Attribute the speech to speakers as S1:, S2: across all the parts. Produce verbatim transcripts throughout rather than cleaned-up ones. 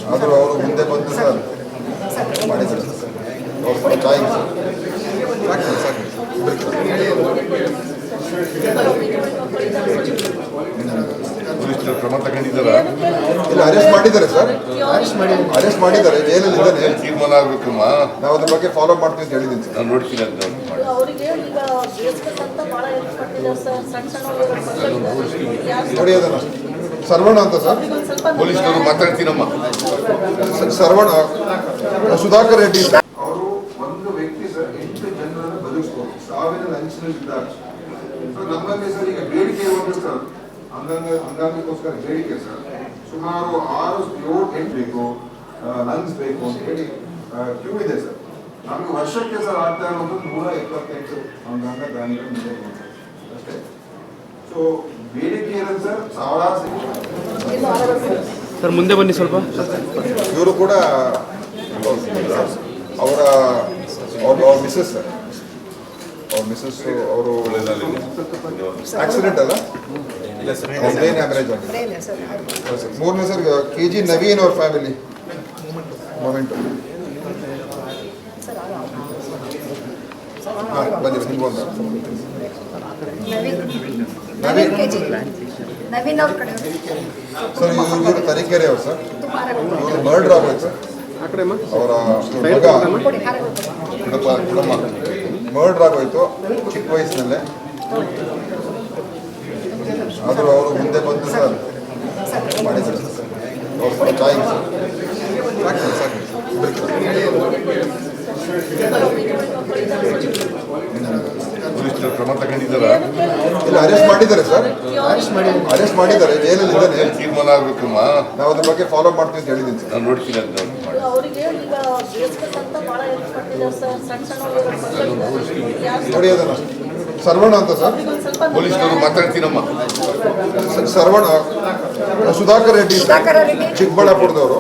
S1: ಆದರೂ ಅವರು ಮುಂದೆ ಬಂದು ಸರ್ ಮಾಡಿದ್ದಾರೆ ಸರ್ ಅವ್ರ ಚಾಯ್ ಸರ್ ಸಾಕು ಸಾಕು ಪೊಲೀಸರು ಕ್ರಮ ತಗೊಂಡಿದ್ದಾರೆ ಇಲ್ಲ ಅರೆಸ್ಟ್ ಮಾಡಿದ್ದಾರೆ ಸರ್ ಅರೆಸ್ಟ್ ಮಾಡಿ ಅರೆಸ್ಟ್ ಮಾಡಿದ್ದಾರೆ ಜೈಲಲ್ಲಿ ಇದ್ದಾನೆ ತೀರ್ಮಾನ ಆಗಬೇಕಮ್ಮ ನಾವು ಅದ್ರ ಬಗ್ಗೆ ಫಾಲೋ ಮಾಡ್ತೀವಿ ಅಂತ ಹೇಳಿದ್ದೀನಿ ಸರ್ ನಾನು ನೋಡ್ತೀನಿ ಅಂತ ನೋಡಿ ಅದನ್ನು ಸರ್ವಣ ಅಂತ ಸರ್ ಪೊಲೀಸರು ಮಾತಾಡ್ತೀನಮ್ಮ ಸರ್ವಣ ಸುಧಾಕರ್ ರೆಡ್ಡಿ ಅವರು ಒಂದು ವ್ಯಕ್ತಿ ಸರ್ ಎಂಟು ಜನರನ್ನು ಬದುಕಿಸ್ಬೋದು ಸಾವಿರ ಅಂಚಿನಲ್ಲಿದ್ದಾರೆ ನಮ್ಮಲ್ಲಿ ಸರ್ ಈಗ ಬೇಡಿಕೆ ಒಂದು ಸರ್ ಅಂಗಾಂಗ ಅಂಗಾಂಗಕ್ಕೋಸ್ಕರ ಬೇಡಿಕೆ ಸರ್ ಸುಮಾರು ಆರು ಏಳು ಎಂಟು ಬೇಕು ಲಂಗ್ಸ್ ಬೇಕು ಅಂತ ಹೇಳಿ ಕ್ಯೂ ಇದೆ ಸರ್ ನಮಗೆ ವರ್ಷಕ್ಕೆ ಸರ್ ಆಗ್ತಾ ಇರೋದು ನೂರ ಎಪ್ಪತ್ತೆಂಟು ಅಂಗಾಂಗ ದಾನಿಗಳು ಮುಂದೆ ಅಷ್ಟೇ ಸೊ ಬೇಡಿಕೆ ಇರೋದು ಸರ್ ಸಾವಿರಾರು
S2: ಸರ್ ಮುಂದೆ ಬನ್ನಿ ಸ್ವಲ್ಪ
S1: ಇವರು ಕೂಡ ಅವರ ಅವ್ರ ಮಿಸ್ಸಸ್ ಸರ್ ಅವ್ರ ಮಿಸ್ಸಸ್ ಅವರು ಆಕ್ಸಿಡೆಂಟ್ ಅಲ್ಲ ಬ್ರೈನ್ ಆವರೇಜ್ ಆಗಿದೆ ಮೂರನೇ ಸರ್ ಕೆ ಜಿ ನವೀನ್ ಅವ್ರ ಫ್ಯಾಮಿಲಿ ಮೊಮೆಂಟು ಹಾಂ ಬನ್ನಿ ನಿಮ್ಗೆ ಒಂದು ಸರ್ ಇವರು ತರೀಕೆರೆ ಅವ್ರು ಸರ್ ಇವರು ಮರ್ಡರ್ ಆಗೋಯ್ತು ಸರ್ ಅವರ ಮಗ ಕುಟುಂಬ ಕುಟುಂಬ ಮರ್ಡರ್ ಆಗೋಯ್ತು ಚಿಕ್ಕ ವಯಸ್ಸಿನಲ್ಲೇ ಆದರೂ ಅವರು ಮುಂದೆ ಬಂದು ಸರ್ ಮಾಡಿದ್ದಾರೆ ಸರ್ ಅವ್ರ ಚಾಯ್ ಸರ್ ಸಾಕು ಸಾಕು ಪೊಲೀಸರು ಕ್ರಮ ತಗೊಂಡಿದ್ದಾರೆ ಇಲ್ಲ ಅರೆಸ್ಟ್ ಮಾಡಿದ್ದಾರೆ ಸರ್ ಅರೆಸ್ಟ್ ಮಾಡಿದ್ದಾರೆ ಜೈಲಲ್ಲಿ ಇದ್ದಾನೆ ತೀರ್ಮಾನ ಆಗಬೇಕಮ್ಮ ನಾವು ಅದ್ರ ಬಗ್ಗೆ ಫಾಲೋ ಮಾಡ್ತೀವಿ ಅಂತ ಹೇಳಿದ್ದೀನಿ ಸರ್ ನಾನು ನೋಡ್ತೀನಿ ಅಂತ ನೋಡಿ ಅದನ್ನು ಸರ್ವಣ ಅಂತ ಸರ್ ಪೊಲೀಸರು ಮಾತಾಡ್ತೀನಮ್ಮ ಸರ್ವಣ ಸುಧಾಕರ್ ರೆಡ್ಡಿ ಚಿಕ್ಕಬಳ್ಳಾಪುರದವರು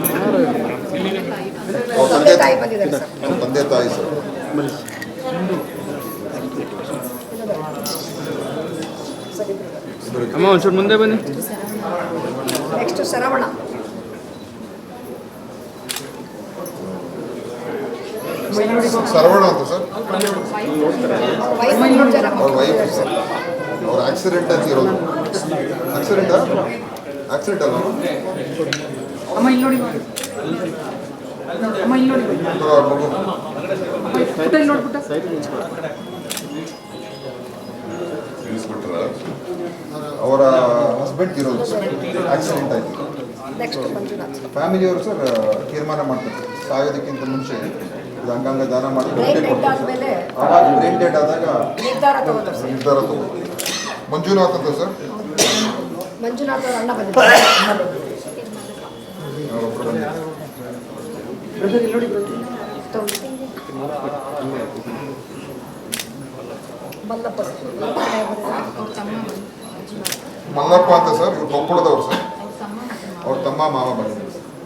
S1: ಅವ್ರ ತಂದೆ ತಂದೆ ತಾಯಿ ಸರ್
S2: ಅಮ್ಮ ಒಂಚೂರು ಮುಂದೆ ಬನ್ನಿ
S3: ನೆಕ್ಸ್ಟ್ ಶರವಣ
S1: ಸರ್ವಣ ಅಂತ ಸರ್ ಅವ್ರ ವೈಫ್ ಸರ್ ಅವ್ರ ಆಕ್ಸಿಡೆಂಟ್ ಅಂತ ಇರೋದು ಆಕ್ಸಿಡೆಂಟ್ ಆಕ್ಸಿಡೆಂಟ್ ಅಲ್ಲ
S3: ಅಮ್ಮ ಇಲ್ಲಿ ನೋಡಿ ಅಮ್ಮ ಇಲ್ಲಿ ನೋಡಿ
S1: ಮಗು
S3: ಇಲ್ಲಿ ನೋಡ್ಬಿಟ್ಟ
S1: ಅವರ ಹಸ್ಬೆಂಡ್ ಇರೋದು ಆಕ್ಸಿಡೆಂಟ್ ಆಯಿತು ಫ್ಯಾಮಿಲಿಯವರು ಸರ್ ತೀರ್ಮಾನ ಮಾಡ್ತಾರೆ ಸಾಯೋದಕ್ಕಿಂತ ಮುಂಚೆ ಇದು ಅಂಗಾಂಗ ದಾನ ಮಾಡಿ ಆವಾಗ ಬ್ರೈನ್ ಡೆಡ್ ಆದಾಗ ನಿರ್ಧಾರ ತಗೋದು ಮಂಜುನಾಥ್ ಅಂತ ಸರ್
S3: ಮಂಜುನಾಥ್ ಅಣ್ಣ ಬಂದಿದ್ದಾರೆ
S1: ಮಲ್ಲಪ್ಪ ಅಂತ ಸರ್ ಇವ್ರು ಕೊಪ್ಪಳದವ್ರು ಸರ್ ಅವ್ರ ತಮ್ಮ ಮಾವ ಬಂದಿದ್ದಾರೆ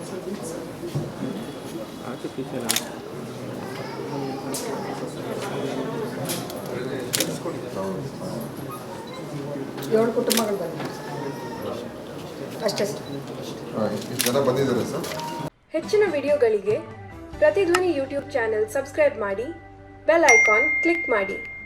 S3: ಏಳು ಕುಟುಂಬಗಳು ಬಂದಿದ್ದಾರೆ ಅಷ್ಟೇ
S1: ಇಷ್ಟು ಜನ ಬಂದಿದ್ದಾರೆ ಸರ್.
S4: ಹೆಚ್ಚಿನ ವಿಡಿಯೋಗಳಿಗೆ ಪ್ರತಿಧ್ವನಿ ಯೂಟ್ಯೂಬ್ ಚಾನೆಲ್ ಸಬ್ಸ್ಕ್ರೈಬ್ ಮಾಡಿ, ಬೆಲ್ ಐಕಾನ್ ಕ್ಲಿಕ್ ಮಾಡಿ.